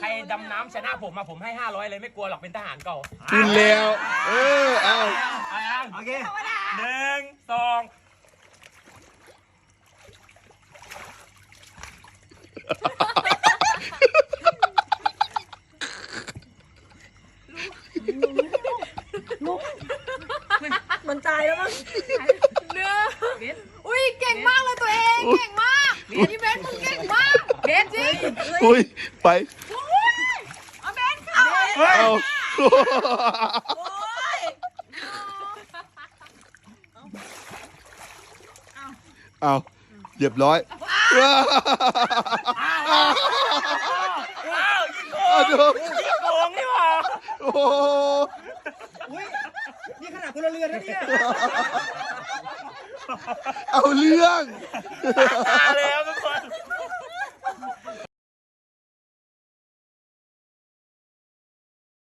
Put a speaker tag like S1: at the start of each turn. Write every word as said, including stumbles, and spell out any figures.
S1: ใครดำน้ำชนะผมมาผมให้ห้าร้อยเลยไม่กลัวหรอกเป็นทหารเก่า
S2: กินแล้วเออเอา
S1: เอายัง
S3: โอเค
S1: หนึ่งสอง
S4: มันตายแล้วมั้ง
S5: เนื้ออุ้ยเก่งมากเลยตัวเองเก่งมากพี่เบนมึงเก่งมากเบนจริง
S2: อุ้ยไป
S5: เอาเบนเข้า
S2: เอา
S4: โอ้ย
S2: เอาเรียบร้อยว้าว
S1: ว้าวยิงโก
S2: เอา
S1: ง
S2: ดู
S1: ยิงโกงนี่หว่า
S2: โอ้โห
S3: อุ้ยนี่ขนาดพลเรือนนะเนี่ย
S2: เอาเรื่อง
S1: ตาเลยครับ